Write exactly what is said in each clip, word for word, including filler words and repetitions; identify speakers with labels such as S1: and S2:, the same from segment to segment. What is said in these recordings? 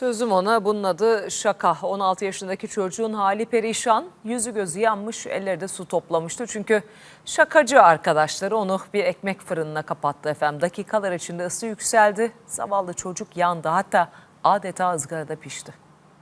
S1: Sözüm ona, bunun adı şaka. on altı yaşındaki çocuğun hali perişan, yüzü gözü yanmış, elleri de su toplamıştı. Çünkü şakacı arkadaşları onu bir ekmek fırınına kapattı efendim. Dakikalar içinde ısı yükseldi, zavallı çocuk yandı, hatta adeta ızgarada pişti.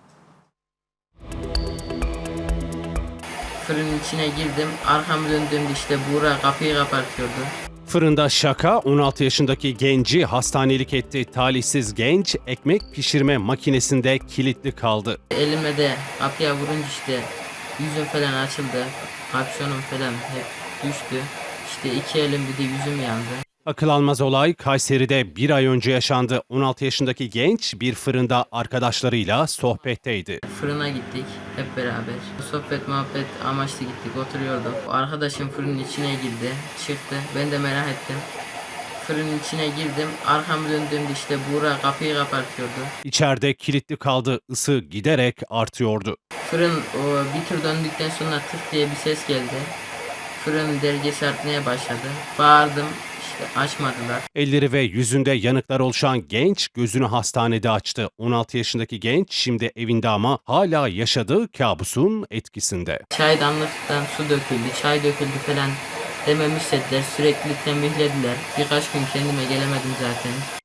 S2: Fırının içine girdim, arkamı döndüğümde işte Buğra kapıyı kapatıyordu.
S3: Fırında şaka, on altı yaşındaki genci hastanelik etti. Talihsiz genç ekmek pişirme makinesinde kilitli kaldı.
S2: Elime de kapıya vurunca işte yüzüm falan açıldı, kapşonum falan hep düştü. İşte iki elim bir de yüzüm yandı.
S3: Akıl almaz olay Kayseri'de bir ay önce yaşandı. on altı yaşındaki genç bir fırında arkadaşlarıyla sohbetteydi.
S2: Fırına gittik hep beraber. Sohbet muhabbet amaçlı gittik, oturuyorduk. Arkadaşım fırının içine girdi, çıktı. Ben de merak ettim. Fırının içine girdim, arkamı döndüğümde işte Buğra kapıyı kapatıyordu.
S3: İçeride kilitli kaldı, ısı giderek artıyordu.
S2: Fırın o, bir tur döndükten sonra tık diye bir ses geldi. Fırının dergesi artmaya başladı. Bağırdım, işte açmadılar.
S3: Elleri ve yüzünde yanıklar oluşan genç gözünü hastanede açtı. on altı yaşındaki genç şimdi evinde ama hala yaşadığı kabusun etkisinde.
S2: Çaydanlıktan su döküldü, çay döküldü falan dememi istediler. Sürekli tembihlediler. Birkaç gün kendime gelemedim zaten.